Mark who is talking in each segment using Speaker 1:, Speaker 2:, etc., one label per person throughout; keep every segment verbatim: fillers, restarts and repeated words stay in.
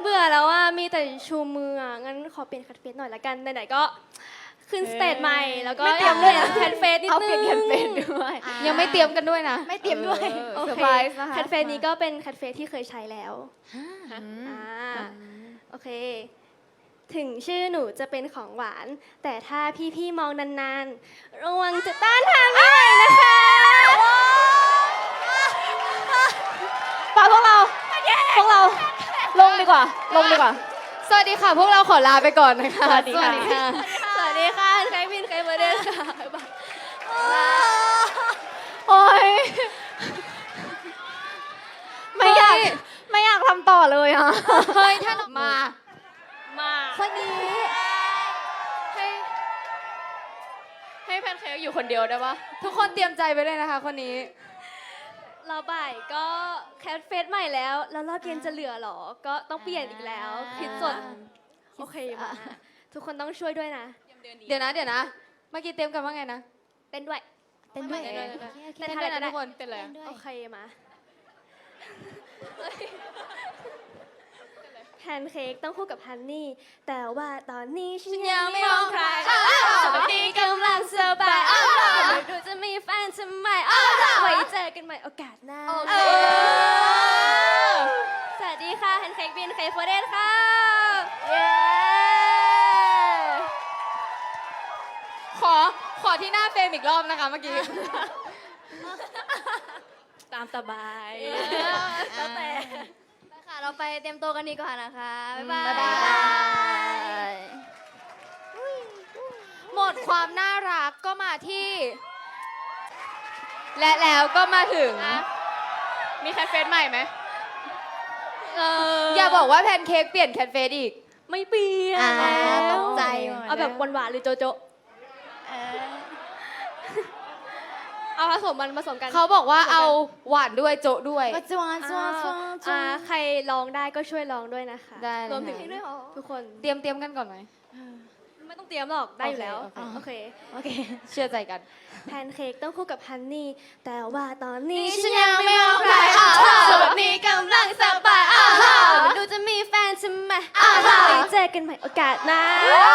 Speaker 1: เบื่อแล้วว่ามีแต่ชูมืออ่ะงั้นขอเปลี่ยนแคทเฟสหน่อยละกันไหนๆก็ขึ้นสเตจใหม่แล้วก็อยากเปลี่ยนแคทเฟสนิดนึง
Speaker 2: เอาเปลี่ยนแคทเฟสด้วย
Speaker 3: ยังไม่เตรียมกันด้วยนะ
Speaker 2: ไม่เตรียมด้วย
Speaker 1: โอ
Speaker 2: เซอ
Speaker 1: เค
Speaker 2: ร์ไพรส์นะคะ
Speaker 1: แคทเฟสนี้ก็เป็นแคทเฟสที่เคยใช้แล้วอ่าโอเค ถึงชื่อหนูจะเป็นของหวาน แต่ถ้าพี่ๆมองนานๆ ระวังจะต้านทานไม่ไหวนะคะ
Speaker 2: ปาพวกเรา พวกเรา ลงดีกว่า ลงดีกว่า
Speaker 3: สวัสดีค่ะ พวกเราขอลาไปก่อนนะคะ
Speaker 2: สวัสดีค่ะ
Speaker 1: สวัสดีค่ะใครบินใครเบอร์เดนค่ะ
Speaker 2: โอ้ยไม่อยากไม่อยากทำต่อเลยอ่ะ
Speaker 3: เฮ้ยท่านมา
Speaker 1: มา
Speaker 2: คนนี้
Speaker 3: ให้ให้แพนเค้กอยู่คนเดียวได้ปะทุกคนเตรียมใจไปเลยนะคะคนนี้
Speaker 1: เราบ่ายก็แคทเฟสใหม่แล้ว แล้วรอบเย็นจะเหลือเหรอ ก็ต้องเปลี่ยนอีกแล้วคิดสดโอเคมาทุกคนต้องช่วยด้วยนะ
Speaker 3: เดี๋ยวนะเดี๋ยวนะ เมื่อกี้เตรียมกันว่าไงนะ
Speaker 1: เต้นด้วย
Speaker 2: เต้นด้วย
Speaker 3: เต้นด้วย
Speaker 1: เต้น
Speaker 3: เต้น
Speaker 1: ท่า
Speaker 3: ด้วย
Speaker 1: ไหน
Speaker 3: นะ
Speaker 1: ก็ได้
Speaker 3: ทุกคนเป็นเลย
Speaker 1: โอเคมาแพนเค้กต้องคู่กับฮันนี่ แต่ว่าตอนนี้ฉันยังไม่มองใครสวัสดีกำลังสบายไม่รู้จะมีแฟนทำไมไว้เจอกันใหม่โอกาสหน้า
Speaker 3: โอเค
Speaker 1: สวัสดีค่ะแพนเค้กบินเคฟเดนค่ะ
Speaker 2: เย้
Speaker 3: ขอขอที่หน้าเฟรมอีกรอบนะคะเมื่อกี้
Speaker 1: ตามสบาย
Speaker 2: แล้วแต่
Speaker 4: ไปค่ะ เราไปเตรียมตัวกันดีกว่านะคะ บ๊ายบาย
Speaker 2: บ๊ายบาย
Speaker 3: หมดความน่ารักก็มาที่ และแล้วก็มาถึง มีแคทเฟสใหม่ไหม
Speaker 1: เออ
Speaker 3: อย่าบอกว่าแพนเค้กเปลี่ยนแคทเฟสอีก
Speaker 1: ไม่เปลี่ยน
Speaker 2: อ่า
Speaker 1: แล้ว
Speaker 2: ตกใจหมด
Speaker 1: เอาแบบหวานๆหรือโจโจ
Speaker 2: เออ
Speaker 1: เอาผสมมันผสมกัน
Speaker 3: เขาบอกว่าเอาหวานด้วยโจะด้วย
Speaker 2: มาจวนจวนจวนจว
Speaker 1: อ่าน ใครลองได้ก็ช่วยลองด้วยนะคะ
Speaker 3: ได้เลย
Speaker 1: รวมถึง
Speaker 3: ค่ะ
Speaker 1: ด้วยเหรอทุกคน
Speaker 3: เตรียมเตรียมกันก่อนไหม
Speaker 1: ไม่ต้องเตรียมหรอกได้อยู่แล้ว
Speaker 3: โอเค
Speaker 1: โอเค
Speaker 2: โอเค
Speaker 3: เชื่อใจกัน
Speaker 1: แพนเค้กต้องคู่กับฮันนี่ แต่ว่าตอนนี้
Speaker 3: ฉันยังไม่มองใคร
Speaker 1: ส่วนนี้กำลังสบายไม่รู้จะมีแฟนใช่ไหมไว้เจอกันใหม่โอกาสหน้า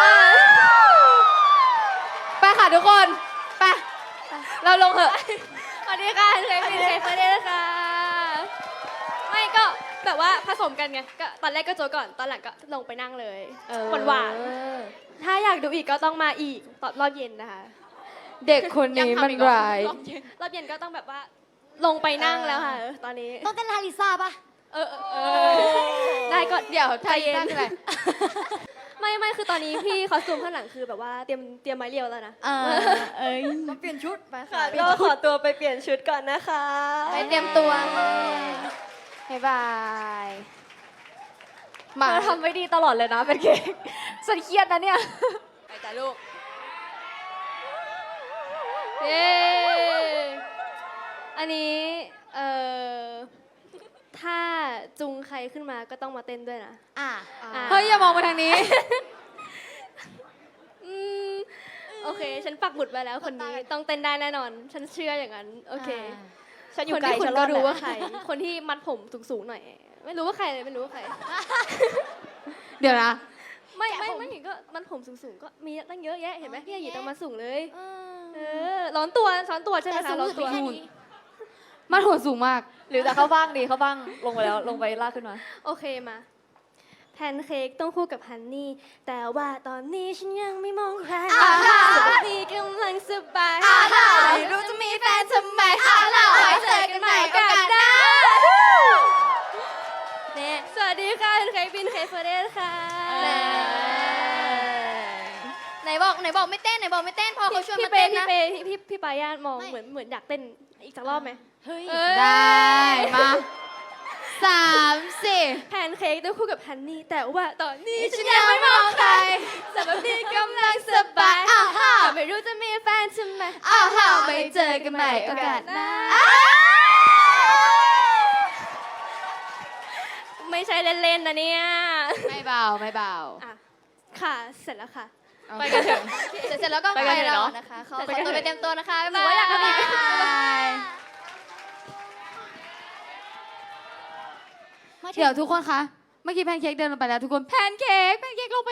Speaker 3: ไปค่ะทุกคน ไป เราลงเถอะ
Speaker 1: สวัสดีค่ะเคยเป็นเคยเฟเดค่ะ ไม่ก็แบบว่าผสมกันไงก็ตอนแรกก็โจก่อน ตอนหลังก็ลงไปนั่งเลยหวานหวานๆถ้าอยากดูอีกก็ต้องมาอีกตอนรอบเย็นนะคะ
Speaker 3: เด็กคนนี้มันร้าย
Speaker 1: รอบเย็นก็ต้องแบบว่าลงไปนั่งแล้วค่ะ ตอนนี้
Speaker 2: ต้องเต้นลาลิซ่าป่ะ
Speaker 1: เออเออเออได้ก็
Speaker 3: เดี๋ยว
Speaker 1: ใจ
Speaker 3: ไทย
Speaker 1: เย็น
Speaker 3: ตั้งอะไร
Speaker 1: ไม่ไม่คือตอนนี้พี่คอสตูมข้างหลังคือแบบว่าเตรียมเตรียมไม้เรียวแล้วนะ
Speaker 2: เออเอ้ยมาเปลี่ยนชุดไปค่ะ
Speaker 1: ก็ขอตัวไปเปลี่ยนชุดก่อนนะคะ
Speaker 3: ไปเตรียมตัวบ๊ายบาย มา
Speaker 2: มาทำไม่ดีตลอดเลยนะเป็นเค้กฉันเครียดนะเนี่ย
Speaker 3: ไปจ้ะลูก
Speaker 1: เย้อันนี้เอ่อถ้าจุงใครขึ้นมาก็ต้องมาเต้นด้วยนะ
Speaker 2: อ่ะ
Speaker 1: อ่ะ
Speaker 3: เฮ้ย อย่ามองมาทางนี้
Speaker 1: อืมโอเค ฉันปักหมุดไว้แล้วคนนี้ต้องเต้นได้แน่นอน ฉันเชื่ออย่างนั้น โอเค
Speaker 2: ฉันอยู่
Speaker 1: คน
Speaker 2: ไกล
Speaker 1: ที่คุ
Speaker 2: ฉั
Speaker 1: ณ
Speaker 2: นร
Speaker 1: ก็
Speaker 2: อด
Speaker 1: รู้
Speaker 2: แหละ
Speaker 1: ว่าใคร คนที่มัดผมสูงๆหน่อย ไม่รู้ว่าใครเลยไม่รู้ว่าใคร
Speaker 3: เดี๋ยวนะ
Speaker 1: ไม่ไม่ไม่ก็มันผมสูงๆก็มีตั้งเยอะแยะเห็นไหมพี่อาหยีต้องมาสูงเลย เออร้อนตัวร้อนตัวใช่ไหม
Speaker 2: แต่
Speaker 1: คะ
Speaker 2: สูง
Speaker 1: ร้อน
Speaker 2: สุด
Speaker 1: ตัว
Speaker 2: แค่นี้
Speaker 3: มันหัวสูงมาก
Speaker 2: หรือแต่เข้าบ้างดีเข้าบ้างลงไปแล้วลงไปลากขึ้นมา
Speaker 1: โอเคมาแพนเค้กต้องคู่กับฮันนี่ แต่ว่าตอนนี้ฉันยังไม่มองใครสวัสดีกำลังสบายไม่รู้จะมีแฟนทำไมไว้เจอกันใหม่โอกาสหน้าเนี่ยสวัสดีค่ะแพนเค้กบินเคฟเดนค่ะ
Speaker 4: ไหนบอกไหนบอกไม่เต้นไหนบอกไม่เต้นพอเขาชวน
Speaker 1: พี่
Speaker 4: มา
Speaker 1: เป
Speaker 4: เต้น
Speaker 1: พี่
Speaker 4: นะ
Speaker 1: เปพี่พี่พี่ปายานมองเหมือนเหมือนอยากเต้นอีกสักรอบไหม
Speaker 2: เฮ้ย
Speaker 1: เอ้ย
Speaker 3: ได้ มาสามสี่
Speaker 1: แพนเค้กต้องคู่กับฮันนี่ แต่ว่าตอนนี้ฉันยังไม่มองใครสวัสดีกำลังสบายแต่ไม่รู้จะมีแฟนใช่ไหม
Speaker 3: อ้าวไม่เจอกันใหม่โอกาสหน้า
Speaker 1: ไม่ใช่เล่นๆนะเนี่ย
Speaker 3: ไม่เบา ไม่เบา
Speaker 1: อ่ะค่ะ เสร็จแล้วค่ะ
Speaker 3: ไปกันเถอะ
Speaker 4: เสร็จเสร็จแล้วก็
Speaker 2: ไป
Speaker 4: ไป
Speaker 2: กันเถอะ
Speaker 4: แล้ว
Speaker 2: เนอะ
Speaker 4: นะคะขอ
Speaker 1: ไป
Speaker 4: ขอ
Speaker 1: กัน
Speaker 4: ตัว
Speaker 1: เถอะ
Speaker 4: ไปเตรียมตัวนะคะบ๊าย
Speaker 1: หนูว่าอยากทำอีก
Speaker 4: บาย
Speaker 3: เดี๋ยวทุกคนคะเมื่อกี้แพนเค้กเดินลงไปแล้วทุกคนแพนเค้กแพนเค้กลงไป